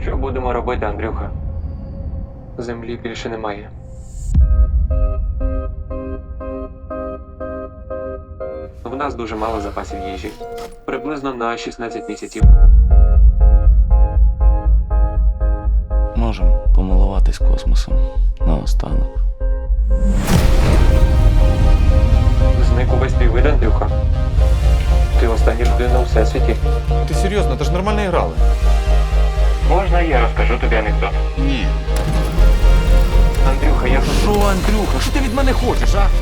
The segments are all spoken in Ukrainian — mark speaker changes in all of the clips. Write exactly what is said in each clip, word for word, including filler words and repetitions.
Speaker 1: Що будемо робити, Андрюха? Землі більше немає. В нас дуже мало запасів їжі. Приблизно на шістнадцять місяців.
Speaker 2: Можемо помилуватись космосом наостанок.
Speaker 1: Зник увесь твій вид, Андрюха. Ти остання людина у всесвіті.
Speaker 3: Ти серйозно, ти ж нормально грали.
Speaker 1: Можна я розкажу тобі анекдот?
Speaker 2: Ні.
Speaker 1: Андрюха, я
Speaker 3: Що, Андрюха, що ти від мене хочеш, а?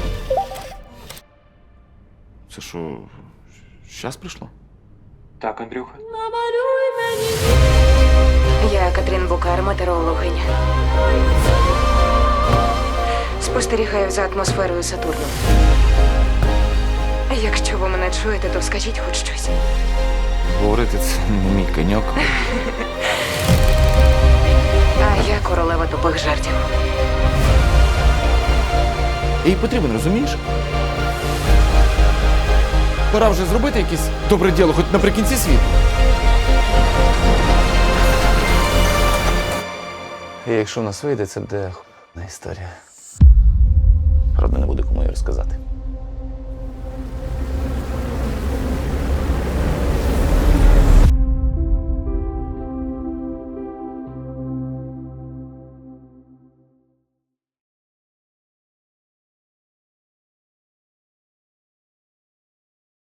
Speaker 3: Це що, щас прийшло?
Speaker 1: Так, Андрюха.
Speaker 4: Я Катрін Букар, метеорологиня. Спостерігаю за атмосферою Сатурну. Якщо ви мене чуєте, то скажіть хоч щось.
Speaker 3: Говорити це не мій коньок.
Speaker 4: А я королева тупих жартів.
Speaker 3: Їй потрібен, розумієш? Пора вже зробити якесь добре діло, хоч наприкінці світу.
Speaker 2: І якщо в нас вийде, це буде х**на історія. Правда, не буде кому її розказати.